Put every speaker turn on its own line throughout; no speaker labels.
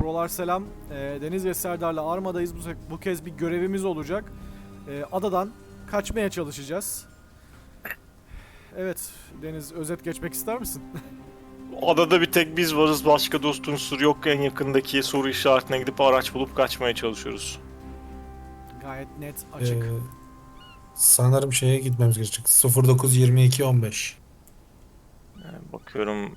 Prolar selam. Deniz ve Serdar'la Arma'dayız. Bu kez bir görevimiz olacak. Adadan kaçmaya çalışacağız. Evet, Deniz, özet geçmek ister misin?
Adada bir tek biz varız. Başka dost unsur yok. En yakındaki soru işaretine gidip araç bulup kaçmaya çalışıyoruz.
Gayet net,
Ee,
açık.
sanırım şeye gitmemiz gerekecek. 09-22-15.
Bakıyorum.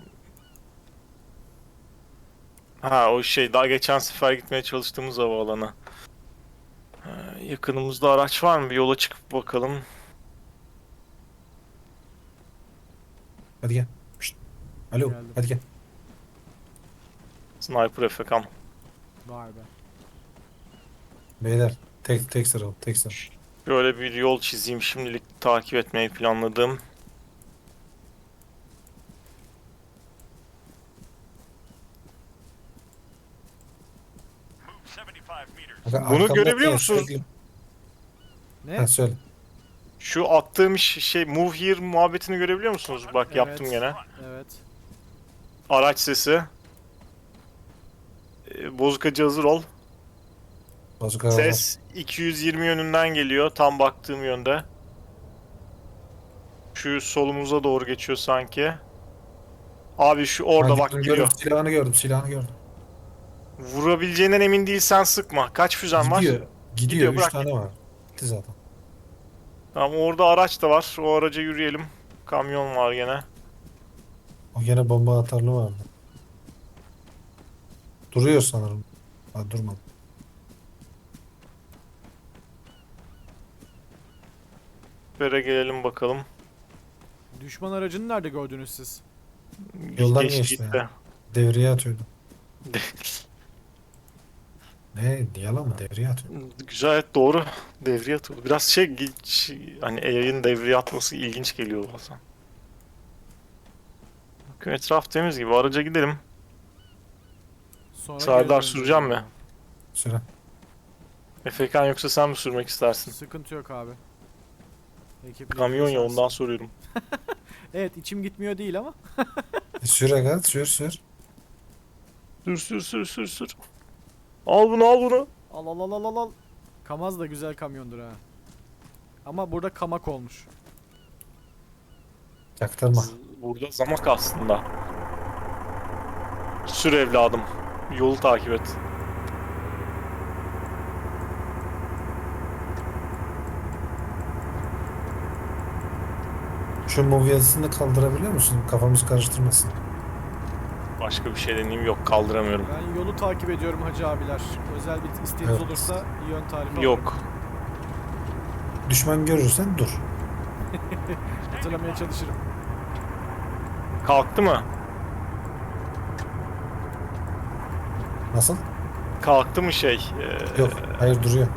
Ha, o şey, daha geçen sefer gitmeye çalıştığımız havaalanı. Yakınımızda araç var mı? Bir yola çıkıp bakalım.
Hadi gel. Şşt. Alo,
Geldim.
hadi gel.
Sniper FK'm.
Vay be.
Beyler, tek sıra ol, tek sıra.
Böyle bir yol çizeyim. Şimdilik takip etmeyi planladım.
Bak,
Bunu
arkamda
görebiliyor
ya,
musunuz?
sürekli-
Ne?
Ha, söyle.
Şu attığım şey move here muhabbetini görebiliyor musunuz? Bak,
Evet.
yaptım gene.
Evet.
Araç sesi. Bozukacı hazır ol.
Bozuk araba.
Ses 220 yönünden geliyor. Tam baktığım yönde. Şu solumuza doğru geçiyor sanki. Abi şu orada
Ha,
bak
gördüm,
gidiyor.
silahını gördüm.
Vurabileceğinden emin değilsen sıkma. Kaç füzen var?
Gidiyor,
Gidiyor,
3
bırak
tane
git.
var. Gitti zaten.
Tamam, orada araç da var. O araca yürüyelim. Kamyon var gene.
O gene bomba atarlı vardı. Duruyor sanırım. Ha, durmadı.
Böyle gelelim bakalım.
Düşman aracını nerede gördünüz siz?
Yoldan
Geçti
geçti
gitti.
ya. Devreye atıyordu. Ne? Yalan mı? Devreye atıyor.
Güzel, doğru. Devreye atıldı. Biraz hani yayın devreye atması ilginç geliyor bazen. Bakın, etraf temiz gibi. Araca gidelim.
Sonra
Serdar,
geri döneceğiz.
süreceğim mi?
Süre.
Efekan, yoksa sen mi sürmek istersin?
Sıkıntı yok abi. Ekiple
Kamyon ya,
gidiyorsanız.
ondan soruyorum.
Evet, içim gitmiyor değil ama.
Sür aga, sür.
Sür. Al bunu, al bunu.
Al al al al al al. Kamaz da güzel kamyondur ha. Ama burada kamak olmuş.
Yaktırma.
Burada zamak aslında. Sür evladım. Yolu takip et.
Şu move yazısını kaldırabiliyor musun? Kafamız karıştırmasın.
Başka bir şey deneyeyim, yok, kaldıramıyorum.
Ben yolu takip ediyorum hacı abiler. Özel bir isteğiniz
Evet.
olursa yön tarifi alırım.
Yok.
Düşman görürsen dur.
Hatırlamaya çalışırım.
Kalktı mı?
Nasıl?
Kalktı mı şey?
Yok, hayır duruyor.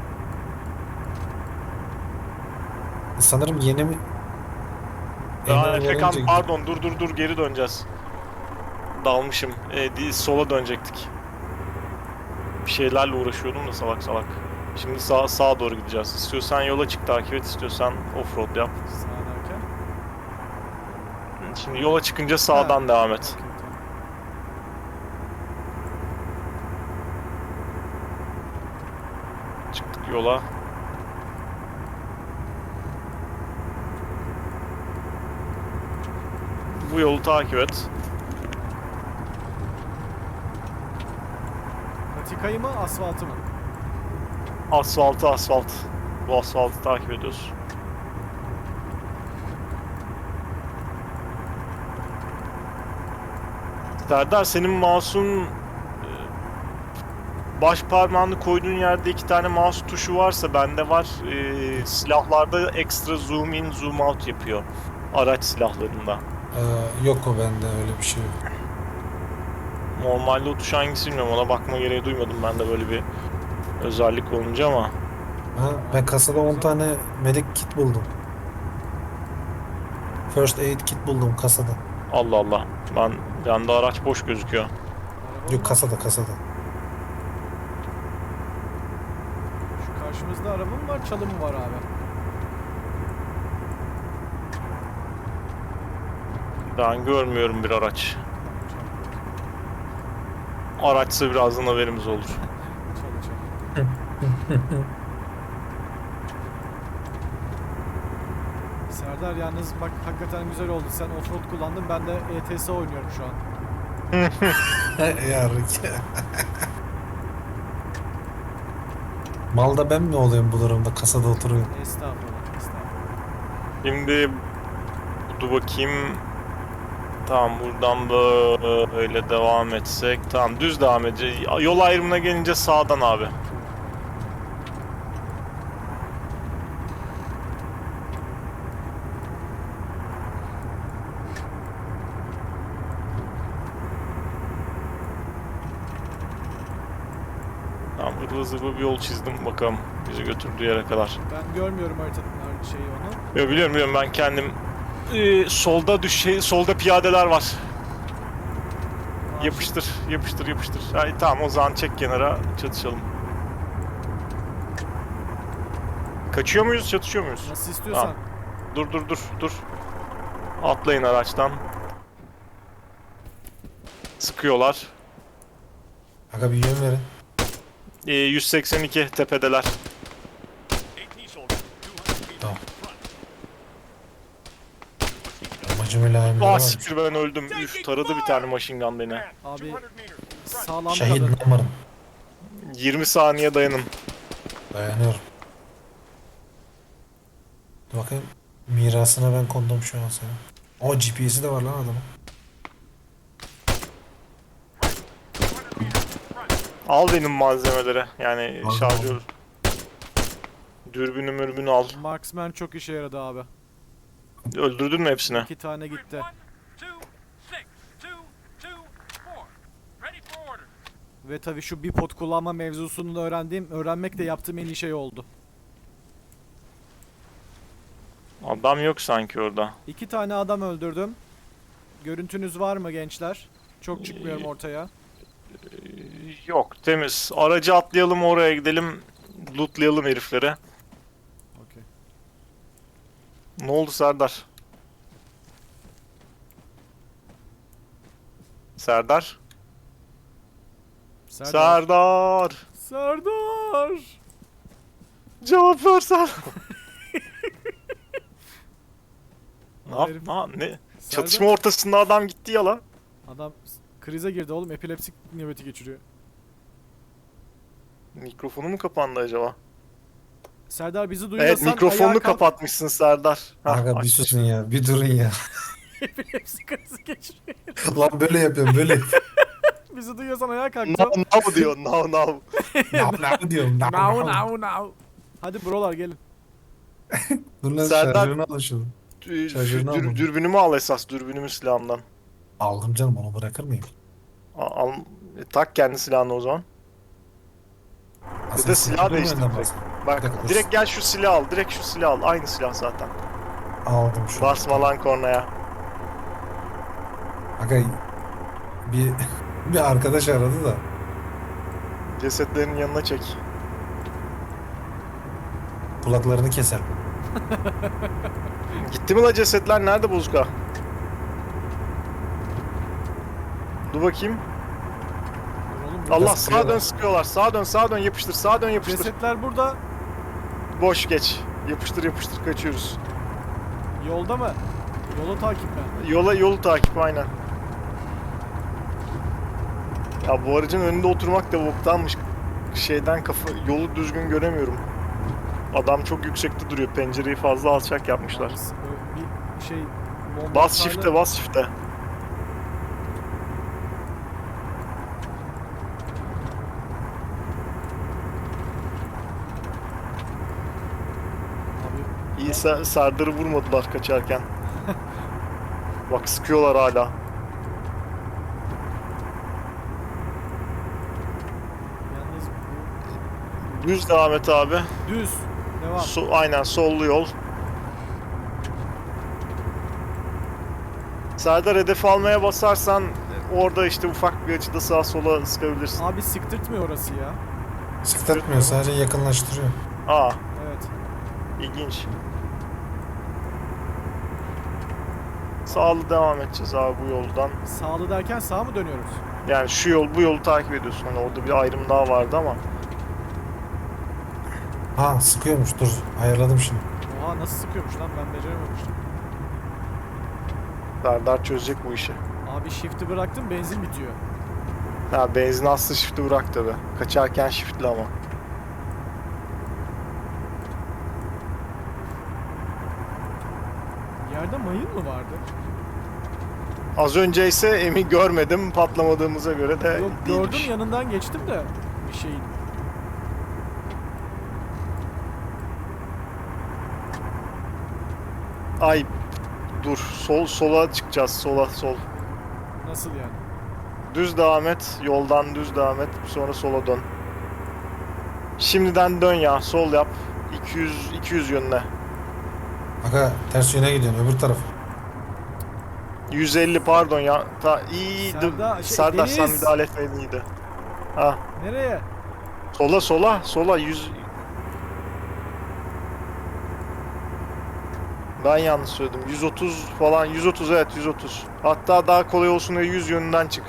Sanırım yeni mi?
Efekan,
Olunca
pardon, dur, geri döneceğiz. Dalmışım. Sola dönecektik. Bir şeylerle uğraşıyordum da salak. Şimdi sağa doğru gideceğiz. İstiyorsan yola çık, takip et, istiyorsan offroad yap.
Sağ derken.
Şimdi yola çıkınca sağdan
Ha.
devam et.
Okey, tamam.
Çıktık yola. Bu yolu takip et.
Patikayı mı, asfaltı mı?
Asfalt. Bu asfaltı takip ediyoruz. Serdar, senin mouse'un baş parmağını koyduğun yerde 2 tane mouse tuşu varsa bende var. Silahlarda ekstra zoom in, zoom out yapıyor. Araç silahlarında.
yok o bende öyle bir şey yok.
Normalde o tuş hangisi bilmiyorum, ona bakma gereği duymadım ben de böyle bir özellik olunca ama.
Ha, ben kasada 10 tane medic kit buldum. First aid kit buldum kasada.
Allah Allah. Bende araç boş gözüküyor.
Araba
Yok,
mı?
kasada.
Şu karşımızda araba mı var, çalı mı var abi?
Ben görmüyorum bir araç. araçsa birazdan haberimiz olur.
Çal çal. Serdar yalnız bak hakikaten güzel oldu. Sen offroad kullandın, ben de ETS oynuyorum şu an.
Ya Ricky. Malda ben mi olayım bu durumda? Kasada oturuyorum.
Estağfurullah, estağfurullah.
Şimdi dur bakayım. Tamam, buradan böyle devam etsek. Tamam, düz devam edeceğiz. Yol ayrımına gelince sağdan abi. Tamam, ıvı zıvı bir yol çizdim, bakalım bizi götürdüğü yere kadar.
Ben görmüyorum haritanın şeyi onu.
Yo, biliyorum ben kendim. Solda piyadeler var. Yapıştır, yapıştır, yapıştır. Ay, tamam, o zaman çek kenara, çatışalım. Kaçıyor muyuz, çatışıyor muyuz?
Nasıl istiyorsan.
Tamam. Dur. Atlayın araçtan. Sıkıyorlar.
Aga bir yön verin.
182 tepedeler.
Tamam. Amacım mülayimleri
Ah
var.
siktir, ben öldüm. Üf, taradı bir tane machine gun beni.
Abi sağlam
Şehit
kalın.
numaram.
20 saniye dayanın.
Dayanıyorum. Dur bakayım. Mirasına ben kondum şu an sana. O GPS'i de var lan adamın.
Al benim malzemeleri. Yani
Aldım,
şarjör.
aldım.
Dürbünü mürbünü al.
Marksman çok işe yaradı abi.
Öldürdün mü hepsini?
2 tane gitti. Ve tabii şu bipod kullanma mevzusunu da öğrenmek de yaptığım en iyi şey oldu.
Adam yok sanki orada.
2 tane adam öldürdüm. Görüntünüz var mı gençler? Çok çıkmıyorum ortaya.
Yok, temiz. Aracı atlayalım, oraya gidelim. Lootlayalım herifleri.
Okey.
Ne oldu Serdar? Serdar? Serdar!
Serdar!
Cevap versen.
Hayır.
Ne?
Serdar-
Çatışma ortasında adam gitti ya la.
Adam krize girdi oğlum. Epilepsik nöbeti geçiriyor.
Mikrofonu mu kapandı acaba?
Serdar bizi duyuyorsan
Evet, mikrofonunu
ayağa kalk.
kapatmışsın Serdar. Hah,
Aga bir
aç.
susun ya. Bir durun ya.
Epilepsi krizi geçiriyor.
Lan böyle yapıyorum böyle.
Bizi duyuyorsan ayağa kalk.
Now diyor, now.
Ne diyorum?
Now. Hadi brolar gelin.
Dur lan
Serdar-
şarjörünü alın şunu. Şarjörünü almadım.
Dürbünümü al esas, dürbünümü silahımdan.
Aldım canım, onu bırakır mıyım?
Al, tak kendi silahını o zaman. Ya da silah değiştir direkt. Bak,
Bir dakika, dur.
direkt gel şu silahı al, direkt şu silahı al. Aynı silah zaten.
Aldım şu.
Basma lan kornaya.
Aga bir bir arkadaş aradı da.
Cesetlerin yanına çek.
Kulaklarını keser.
Gitti mi la cesetler? Nerede Bozka? Dur bakayım.
Dur oğlum, burada
Allah,
sıkıyorlar.
sağa dön sıkıyorlar. Sağa dön yapıştır. Sağa dön yapıştır.
cesetler burada.
Boş geç. Yapıştır kaçıyoruz.
Yolda mı? Yolu takip mi?
Yolu takip aynen. Ya bu aracın önünde oturmak da boktanmış. Yolu düzgün göremiyorum. Adam çok yüksekte duruyor. Pencereyi fazla alçak yapmışlar.
Yalnız, bir şey... bomba
Bas
hasarlı-
shift'e, bas shift'e.
Abi,
İyi, Serdar'ı vurmadılar kaçarken. Bak, sıkıyorlar hala.
yalnız bu...
Düz devam et abi.
Düz. Devam.
Aynen, sollu yol. Serdar, hedef almaya basarsan orada işte ufak bir açıda sağa sola sıkabilirsin.
Abi sıktırtmıyor orası ya.
Sıktırtmıyor, sadece yakınlaştırıyor.
Aa,
Evet.
ilginç. Sağlı devam edeceğiz abi bu yoldan.
Sağlı derken sağa mı dönüyoruz?
Yani şu yol, bu yolu takip ediyorsun. Hani orada bir ayrım daha vardı ama.
Ha sıkıyormuş, dur ayarladım şimdi.
Oha nasıl sıkıyormuş lan, ben becerememiştim.
Serdar çözecek bu işi.
Abi shift'i bıraktım, benzin bitiyor.
Ha, benzin aslı shift'i bırak tabi. Kaçarken shift'li ama.
Yerde mayın mı vardı?
Az önce ise emin görmedim, patlamadığımıza göre de
Yok gördüm,
değilmiş.
yanından geçtim de bir şeyin.
Ay dur, sola çıkacağız, sol.
Nasıl yani?
Düz devam et, yoldan düz devam et, sonra sola dön. Şimdiden dön ya, sol yap. 200 yönüne.
Aga ters yöne gidiyorsun, öbür tarafa.
150 pardon ya. İyi. Serdar sen
Deniz!
müdahale etmeyin iyiydi. Ha,
Nereye?
sola 100. Ben yanlış söyledim. 130 falan, 130 evet 130. Hatta daha kolay olsun diye 100 yönünden çık.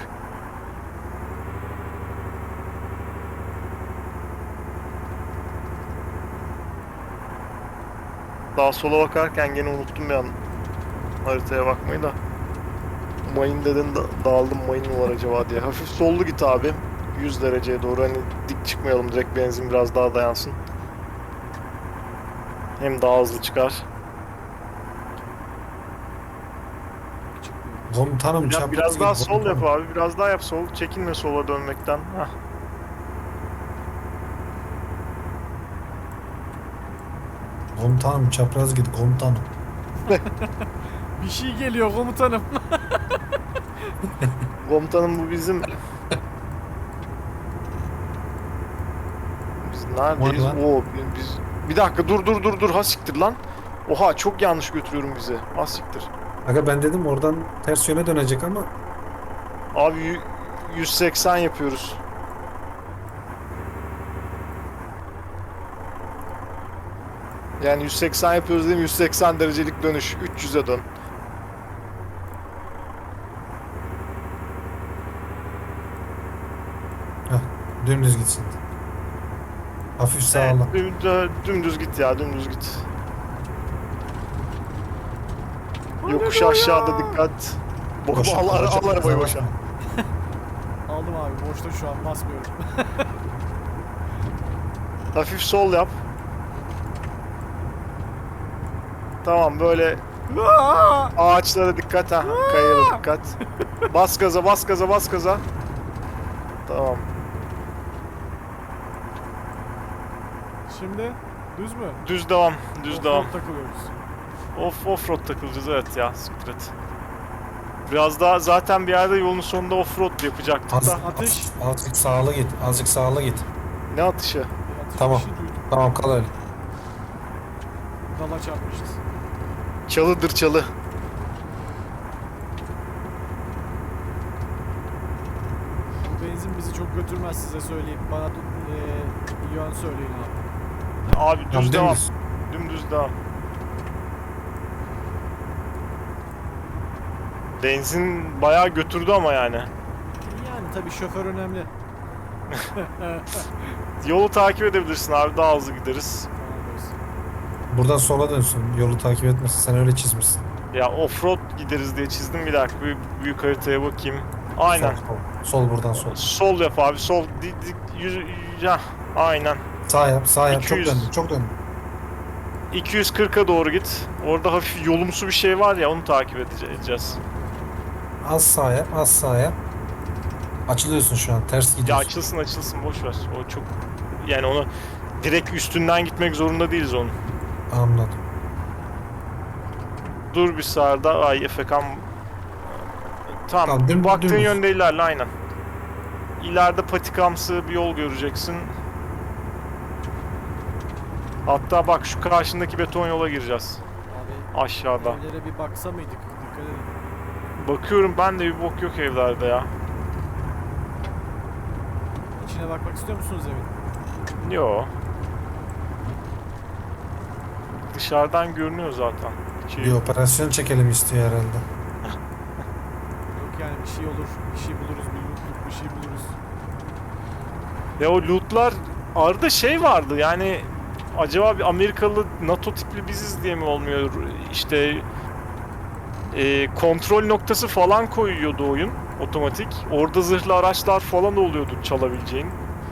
Daha sola bakarken gene unuttum bir an haritaya bakmayı da. Mayın dedin, dağıldım, mayın mı var acaba diye. Hafif sollu git abi. 100 dereceye doğru, hani dik çıkmayalım, direkt benzin biraz daha dayansın. Hem daha hızlı çıkar.
Çıkmıyor.
Komutanım
Ya
çapraz
biraz daha
git,
sol yap
komutanım.
abi, biraz daha yap sol. Çekinme sola dönmekten. Hah.
Komutanım çapraz git komutanım.
Bir şey geliyor komutanım.
Komutanım bu bizim... Biz neredeyiz?
O ne lan?
Oo, biz... Bir dakika dur. Ha siktir lan. Oha çok yanlış götürüyorum bizi. Ha siktir.
Aga ben dedim oradan ters yöne dönecek ama
Abi 180 yapıyoruz. Yani 180 yapıyoruz değil mi? 180 derecelik dönüş. 300'e dön.
dümdüz gitsin. Hafif sağla.
Evet, dümdüz git ya, dümdüz git. Yokuş aşağıda dikkat.
Boşa,
Al
boşa,
arabayı
boşa.
boşa.
Aldım abi, boşta şu an basmıyorum.
Hafif sol yap. Tamam böyle ağaçlara dikkat ha. Kayaya dikkat. Bas gaza. Tamam.
Şimdi düz mü?
Düz devam.
Offroad takılıyoruz.
Offroad takılacağız evet ya. Siktir et. Biraz daha zaten bir yerde yolun sonunda offroad yapacaktık
Az,
da.
Atış.
azıcık sağla git. Azıcık sağla git.
Ne atışı?
Bir atış
Tamam.
bir şey duydum.
Tamam kal öyle.
Dala çarpmışız.
Çalıdır çalı.
Bu benzin bizi çok götürmez, size söyleyeyim. Bana yön söyleyin abi.
Abi
Tamam,
düz devam.
dümdüz.
Dümdüz devam. Benzin bayağı götürdü ama yani.
Yani tabii şoför önemli.
Yolu takip edebilirsin abi, daha hızlı gideriz.
Tamam olsun.
Buradan sola dönsün. Yolu takip etmesin. Sen öyle çizmişsin.
Ya offroad gideriz diye çizdim, bir dakika büyük haritaya bakayım. Aynen.
Sol buradan sol.
Sol yap abi, sol ya aynen.
Sağ yap, sağ yap.
200.
Çok döndün, çok döndün.
240'a doğru git. Orada hafif yolumsu bir şey var ya, onu takip edeceğiz.
Az sağ yap, az sağ yap. Açılıyorsun şu an. Ters
Ya
gidiyorsun.
açılsın boş ver. O çok, yani onu direkt üstünden gitmek zorunda değiliz onun.
Anladım.
Dur bir sağda. Ay efekam. Tamam.
Tamam,
Baktığın
dümdüz.
yönde ilerle aynen. İleride patikamsı bir yol göreceksin. Hatta bak şu karşındaki beton yola gireceğiz.
Abi
Aşağıda.
evlere bir baksa mıydık? Dikkat edin.
Bakıyorum ben de, bir bok yok evlerde ya.
İçine bakmak istiyor musunuz evin?
Yo. Dışarıdan görünüyor zaten.
Bir operasyon çekelim istiyor herhalde.
Yok yani bir şey olur, bir şey buluruz, bir yokluk, bir bir şey buluruz.
Ya o lootlar arada şey vardı yani acaba bir Amerikalı NATO tipli biziz diye mi olmuyor? İşte kontrol noktası falan koyuyordu oyun otomatik. Orada zırhlı araçlar falan oluyordu çalabileceğin.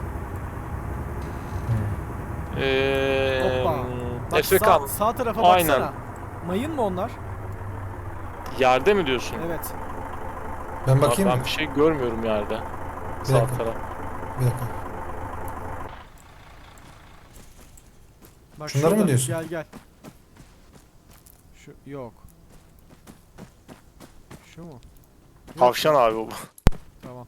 Hoppa. Bak
Efekan.
sağ tarafa
Aynen.
baksana. Mayın mı onlar?
Yerde mi diyorsun?
Evet.
Ben
Abi
bakayım
ben
mı?
bir şey görmüyorum yerde.
Bir
Sağ
dakika.
taraf.
Bir dakika.
Bak
Şunları mı
şurada.
diyorsun?
Gel gel. Şu yok. Şu mu? Yok.
Tavşan abi o.
Tamam.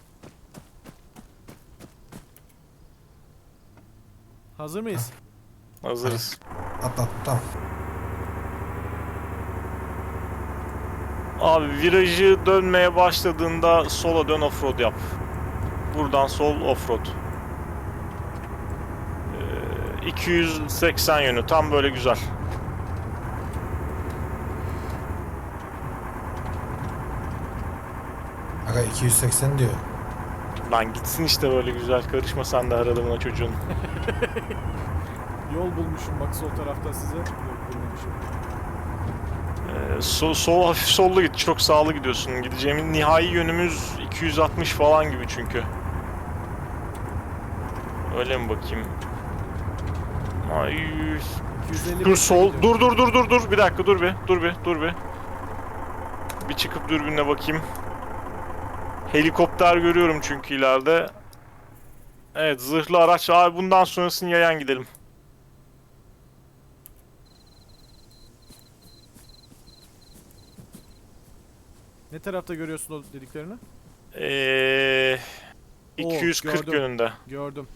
Hazır mıyız?
Hazırız.
Atla. Tamam.
Abi virajı dönmeye başladığında sola dön offroad yap. Buradan sol offroad. 280 yönü tam böyle güzel.
Aga 280 diyor.
Lan gitsin işte böyle güzel, karışma sen de aralığına çocuğun.
Yol bulmuşum bak sol tarafta size. Yok bulmamışım.
Sol hafif sollu git, çok sağlı gidiyorsun. Gideceğimin nihai yönümüz 260 falan gibi çünkü. Öyle mi bakayım? Ay,
250
dur sol,
gidiyorum.
dur bir dakika, dur bir. Bir çıkıp dürbünle bakayım. Helikopter görüyorum çünkü ileride. Evet, zırhlı araç. Abi bundan sonrasını yayan gidelim.
Ne tarafta görüyorsun o dediklerini?
Ee,
Oo,
240
gördüm.
yönünde.
Gördüm.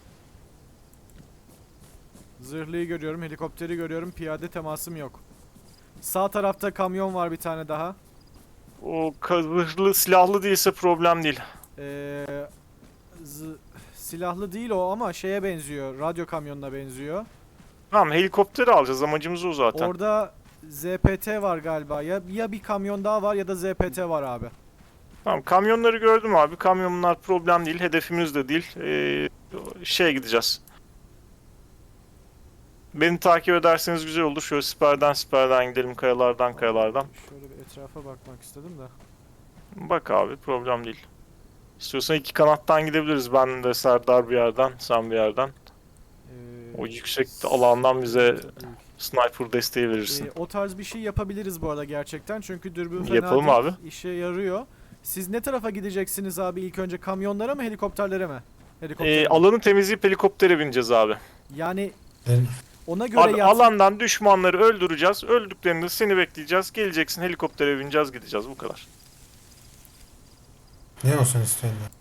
Zırhlıyı görüyorum, helikopteri görüyorum, piyade temasım yok. Sağ tarafta kamyon var bir tane daha.
O zırhlı silahlı değilse problem değil.
Ee, silahlı değil o ama şeye benziyor, radyo kamyonuna benziyor.
Tamam, helikopteri alacağız, amacımız o zaten.
Orada ZPT var galiba. Ya bir kamyon daha var ya da ZPT var abi.
Tamam, kamyonları gördüm abi. Kamyonlar problem değil, hedefimiz de değil. Şeye gideceğiz. Beni takip ederseniz güzel olur. Şöyle siperden gidelim, kayalardan.
Şöyle bir etrafa bakmak istedim de.
Bak abi, problem değil. İstiyorsan iki kanattan gidebiliriz. Ben de Serdar bir yerden, sen bir yerden. O yüksek alandan bize
sıkıntı değil.
sniper desteği verirsin.
O tarz bir şey yapabiliriz bu arada gerçekten. Çünkü dürbün fena
Yapalım
değil,
abi.
işe yarıyor. Siz ne tarafa gideceksiniz abi ilk önce? Kamyonlara mı helikopterlere mi? Helikoptere mi?
Alanı temizleyip helikoptere bineceğiz abi.
Yani
Ben
ona göre
Abi alandan düşmanları öldüreceğiz. Öldüklerinde seni bekleyeceğiz. Geleceksin, helikoptere bineceğiz, gideceğiz. Bu kadar.
ne olsun istiyorsun ya?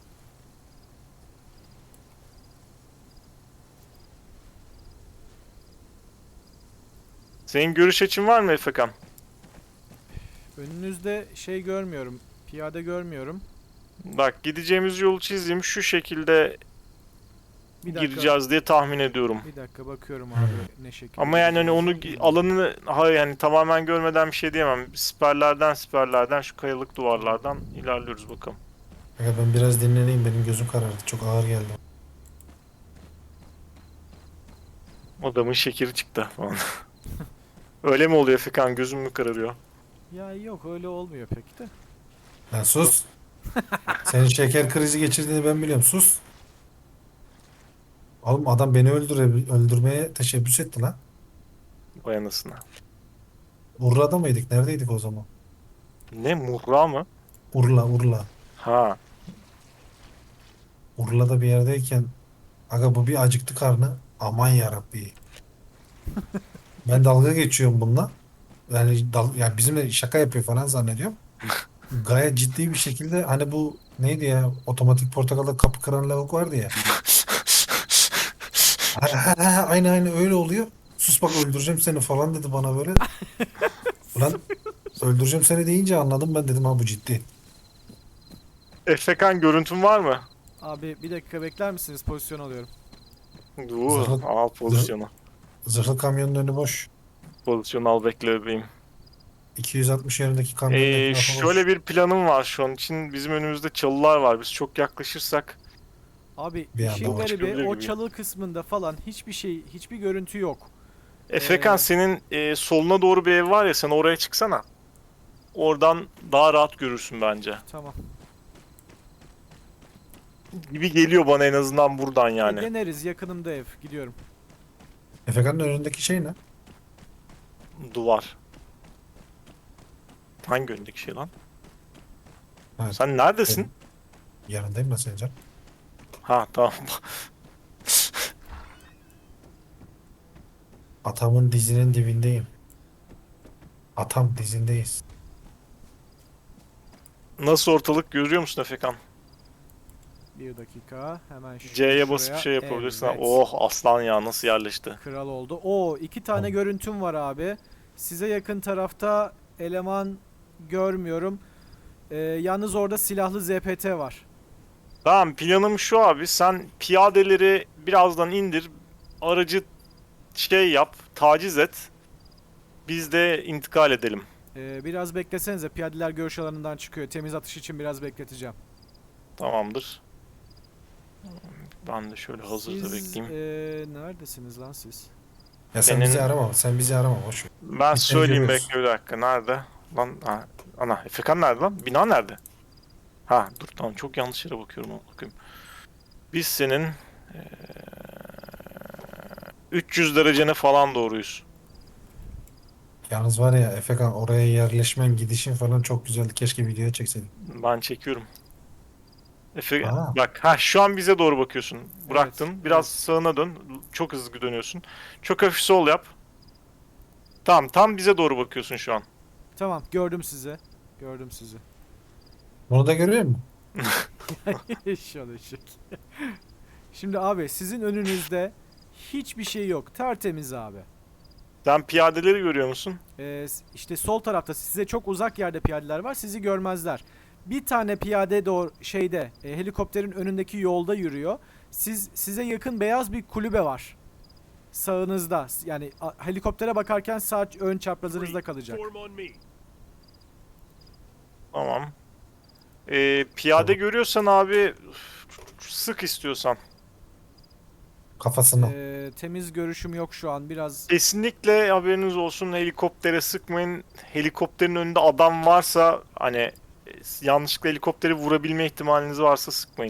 Senin görüş açın var mı Efekan?
önünüzde şey görmüyorum. Piyade görmüyorum.
Bak, gideceğimiz yolu çizeyim. Şu şekilde
Bir dakika.
gireceğiz diye tahmin ediyorum.
Bir dakika bakıyorum abi ne şekilde.
Ama yani hani onu
gideceğiz.
alanını yani tamamen görmeden bir şey diyemem. Siperlerden şu kayalık duvarlardan ilerliyoruz bakalım.
Aga ben biraz dinleneyim, benim gözüm karardı. Çok ağır geldi.
Adamın şekeri çıktı falan. Öyle mi oluyor Efekan? Gözüm mü kararıyor?
Ya yok öyle olmuyor pek de.
Lan sus. Senin şeker krizi geçirdiğini ben biliyorum. Sus. Oğlum adam beni öldürmeye teşebbüs etti lan.
Vay anasına.
Urla'da mıydık? Neredeydik o zaman?
Ne, Murra mı?
Urla.
Ha.
Urla'da bir yerdeyken aga bu bir acıktı karnı. Aman yarabbi. Ben dalga geçiyorum bununla. Yani bizimle şaka yapıyor falan zannediyorum. Gayet ciddi bir şekilde hani bu neydi ya, otomatik portakalda kapı kıran lavuk vardı ya. Aynı öyle oluyor. Sus bak öldüreceğim seni falan dedi bana böyle. Ulan öldüreceğim seni deyince anladım, ben dedim ha bu ciddi.
Efekan, görüntün var mı?
Abi bir dakika bekler misiniz? Pozisyon alıyorum.
Al pozisyonu.
Zırhlı kamyonun önü boş.
Pozisyonu al, bekle bebeğim.
260 yönündeki kamyonun etrafı boş.
Şöyle bir planım var şu an için. Bizim önümüzde çalılar var. Biz çok yaklaşırsak
Abi
Bir
işin
anda
garibi
çıkabilir
o
gibi.
çalı kısmında falan hiçbir şey, hiçbir görüntü yok.
Efekan senin soluna doğru bir ev var ya, sen oraya çıksana. Oradan daha rahat görürsün bence.
Tamam.
Gibi geliyor bana en azından buradan yani.
Deneriz, yakınımda ev. Gidiyorum.
Efekan'ın önündeki şey ne?
Duvar. Hangi önündeki şey lan?
Evet.
Sen neredesin?
Benim yanındayım da Sencer.
Ha tamam.
Atamın dizinin dibindeyim. Atam dizindeyiz.
Nasıl ortalık görüyor musun Efekan?
Bir dakika. Hemen
C'ye basıp
şuraya.
şey yapabilirsin.
Evet.
Oh aslan ya, nasıl yerleşti.
Kral oldu. Oo, 2 tane
Tamam.
görüntüm var abi. Size yakın tarafta eleman görmüyorum. Yalnız orada silahlı ZPT var.
Tamam, planım şu abi. Sen piyadeleri birazdan indir. Aracı şey yap. Taciz et. Biz de intikal edelim.
Biraz beklesenize. Piyadeler görüş alanından çıkıyor. Temiz atış için biraz bekleteceğim.
Tamamdır. Ben de şöyle hazırda
Siz
bekleyeyim.
neredesiniz lan siz?
Ya sen
Senin-
bizi arama. Sen bizi arama. Boş ver.
Ben
Biz seni
söyleyeyim,
görüyoruz.
bekle bir dakika. Nerede? Lan ha, ana Efekan nerede lan? Bina nerede? Ha dur tamam, çok yanlış yere bakıyorum. Bakayım. Biz senin 300 derecene falan doğruyuz.
Yalnız var ya Efekan, oraya yerleşmen, gidişin falan çok güzeldi. Keşke videoya çekseydin.
Ben çekiyorum. Efe,
Aa.
bak ha, şu an bize doğru bakıyorsun. Bıraktın.
Evet,
Biraz
evet.
sağına dön. Çok hızlı dönüyorsun. Çok hafif sol yap. Tamam, tam bize doğru bakıyorsun şu an.
Tamam, gördüm sizi. Gördüm sizi.
Bunu da görüyor musun?
Şöyle ışık. Şimdi abi sizin önünüzde hiçbir şey yok. Tertemiz abi.
Sen piyadeleri görüyor musun?
İşte sol tarafta size çok uzak yerde piyadeler var. Sizi görmezler. Bir tane piyade doğru şeyde helikopterin önündeki yolda yürüyor. Size yakın beyaz bir kulübe var. Sağınızda. Yani helikoptere bakarken sağ ön çaprazınızda kalacak.
Tamam. Piyade
Tamam.
görüyorsan abi sık istiyorsan.
Kafasına.
Temiz görüşüm yok şu an. Biraz
Kesinlikle haberiniz olsun, helikoptere sıkmayın. Helikopterin önünde adam varsa hani yanlışlıkla helikopteri vurabilme ihtimaliniz varsa sıkmayın.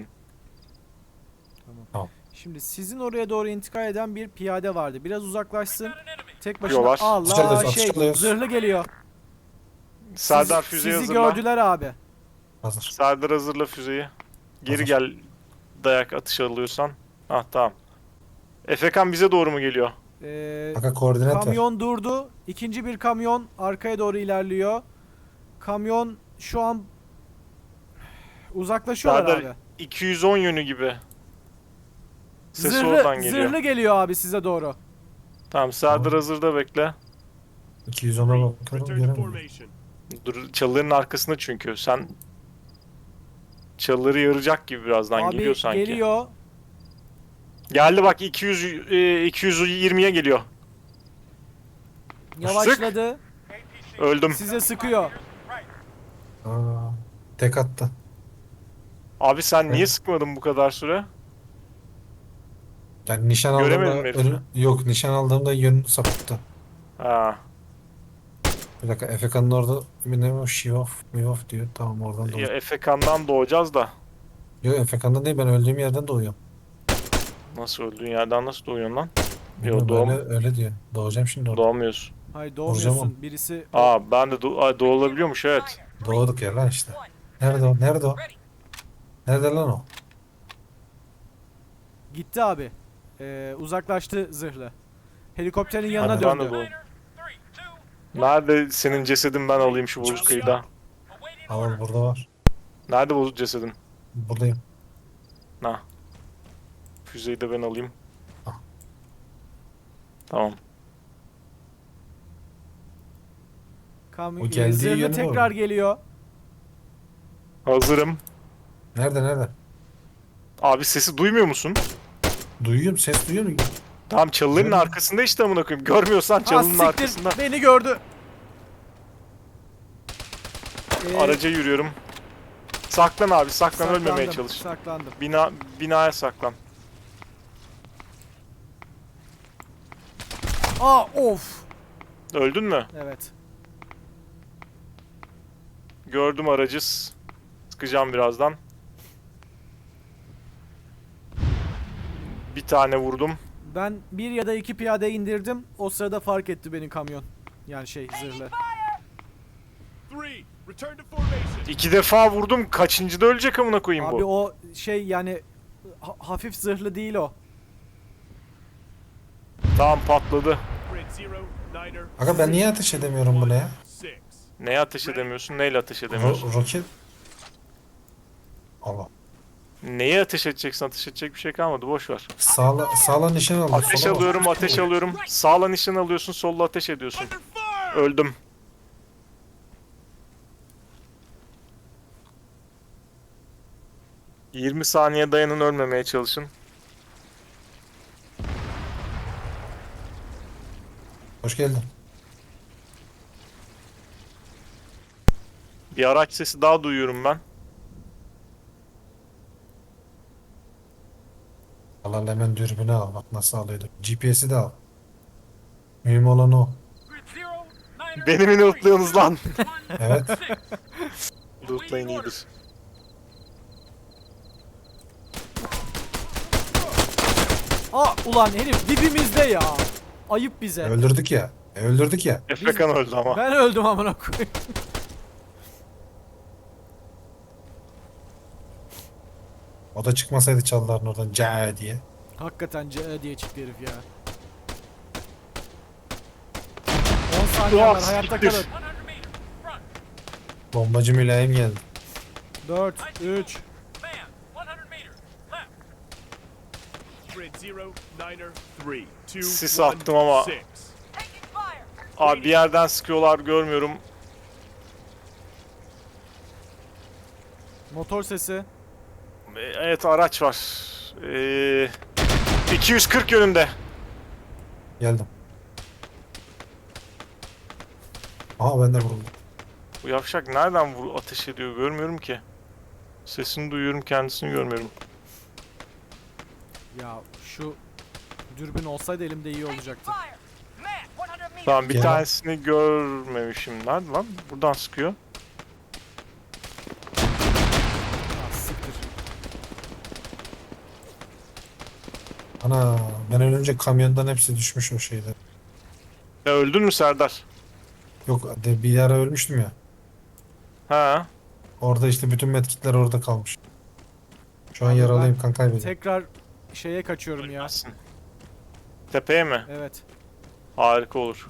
Şimdi sizin oraya doğru intikal eden bir piyade vardı. Biraz uzaklaşsın. Tek başına
Diyorlar.
Allah
Atışalıyoruz,
şey
atışalıyoruz.
zırhlı geliyor.
Serdar füzeyi
Sizi
hazırla.
gördüler abi.
Hazır.
Serdar hazırla füzeyi. Geri
Hazır.
gel, dayak atış alıyorsan. Ah tamam. Efekan bize doğru mu geliyor?
Kanka koordinat ver.
Kamyon durdu. İkinci bir kamyon arkaya doğru ilerliyor. Kamyon şu an uzaklaşıyorlar
Serdar,
abi.
210 yönü gibi. Ses
Zırhlı,
oradan geliyor.
zırhlı geliyor abi size doğru.
Tamam, Serdar
Tamam.
hazırda bekle.
210'a bakıyorum, göremiyorum.
Dur, çalıların arkasında çünkü. Sen çalıları yaracak gibi birazdan
Abi
geliyor sanki.
geliyor.
Geldi bak, 220'ye geliyor.
Yavaşladı.
Öldüm.
Size sıkıyor.
Aa, tek attı.
Abi sen niye
Evet.
sıkmadın bu kadar süre?
Yani nişan
Göremedim
aldığımda
herifi.
yok, nişan aldığımda yönünü sapıttı.
Ha.
Bir dakika, Efekan'ın orada bir ne o, Şivof, Mivof diyor. Tamam, oradan
Ya
doğuyor.
Efekan'dan doğacağız da.
Yok, Efekan'dan değil, ben öldüğüm yerden doğuyorum.
Nasıl öldüğün yerden nasıl doğuyorsun lan?
Bilmiyorum,
doğum-
öyle diyor. Doğacağım şimdi orada.
Doğamıyorsun.
Hayır
Vuracağım
doğmuyorsun. Birisi
Ben de doğulabiliyormuş, evet.
Doğduk ya lan işte. Nerede o? Nerede o? Nerede lan o?
gitti abi. Uzaklaştı zırhlı. Helikopterin yanına
Hadi.
Ben de
döndü.
doğum. Nerede senin cesedin, ben alayım şu bozuk kıyıda.
Al, burada var.
Nerede bu cesedin?
Buradayım.
Ha. Füzeyi de ben alayım.
Ah.
Tamam.
O geldiği
Zırhlı
yöne
tekrar
doğru.
geliyor.
Hazırım.
Nerede?
Abi sesi duymuyor musun?
Duyuyorum, ses duyuyor musun?
Tamam, çalıların
Görmüyorum.
arkasında işte amına koyayım. Görmüyorsan
Ha
çalının
siktir
arkasında.
beni gördü.
Araca yürüyorum. Saklan abi, saklan, ölmemeye
saklandım,
çalış.
Saklandım.
Binaya saklan.
Aa of.
Öldün mü?
Evet.
Gördüm aracı. Sıkacağım birazdan. Bir tane vurdum.
Ben bir ya da iki piyade indirdim. O sırada fark etti benim kamyon. Yani zırhlı.
İki defa vurdum. Kaçıncıda ölecek amına koyayım
Abi
bu?
o yani hafif zırhlı değil o.
Tamam, patladı.
Aga ben niye ateş edemiyorum buna ya?
Neye ateş edemiyorsun? Neyle ateş edemiyorsun?
Roket. Allah.
Neye ateş edeceksin? Ateş edecek bir şey kalmadı. Boş ver.
Sağla nişan aldım.
Ateş
sola bak.
alıyorum, ateş alıyorum. Sağla nişan alıyorsun, solla ateş ediyorsun. Öldüm. ...20 saniye dayanın, ölmemeye çalışın.
Hoş geldin.
Bir araç sesi daha duyuyorum ben.
Allah hemen dürbünü al. Bak nasıl alıyordum. GPS'i de al. Mühim olan o.
Beni mi lootluyorsunuz lan?
Evet.
Lootlayın iyidir.
Aa ulan herif dibimizde ya. Ayıp bize.
Öldürdük ya. Öldürdük ya.
Efekan öldü ama.
Ben öldüm amına koyayım.
O da çıkmasaydı çalıların oradan ca diye.
Hakikaten diye çıktı herif ya. 10 saniye var, hayatta
siktir.
kalın.
Bombacı mülayim geldi.
4, 3.
Sis attım ama. Abi bir yerden sıkıyorlar, görmüyorum.
Motor sesi.
Evet, araç var. 240 yönünde.
Geldim. Aha ben de vuruldum.
Bu yavşak nereden ateş ediyor, görmüyorum ki. Sesini duyuyorum, kendisini görmüyorum.
Ya şu dürbün olsaydı elimde iyi olacaktı.
Tamam, bir
Gel.
tanesini görmemişim. Nerede lan? Buradan sıkıyor.
Ah, siktir.
Ana ben ölünce kamyondan hepsi düşmüş o şeyde.
Ya öldün mü Serdar?
Yok bir ara ölmüştüm ya.
Ha.
Orada işte bütün medkitler orada kalmış. Şu an
Abi
yaralıyım kan kaybediyorum.
Tekrar kaçıyorum ya.
Ölmezsin. Tepeye mi?
Evet.
Harika olur.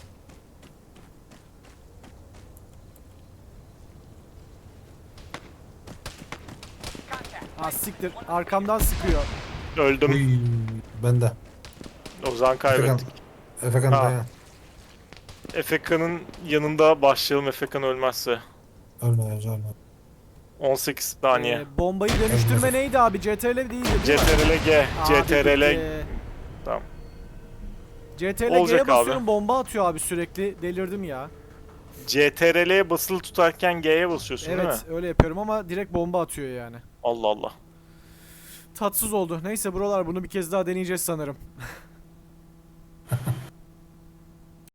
Ah siktir. Arkamdan sıkıyor.
Öldüm.
Uy, ben de.
Ozan
Efekan,
kaybettik.
Efekan
Ha.
dayan.
Efeka'nın yanında başlayalım, Efekan ölmezse.
Ölme.
18 saniye.
Bombayı dönüştürme neydi abi? CTRL değildi değil mi?
CTRL G.
Abi
CTRL.
bitti.
Tamam.
CTRL
Olacak
G'ye basıyorum,
abi.
bomba atıyor abi sürekli. Delirdim ya.
CTRL'ye basılı tutarken G'ye basıyorsun değil mi?
Evet öyle yapıyorum ama direkt bomba atıyor yani.
Allah Allah.
Tatsız oldu. Neyse buralar, bunu bir kez daha deneyeceğiz sanırım.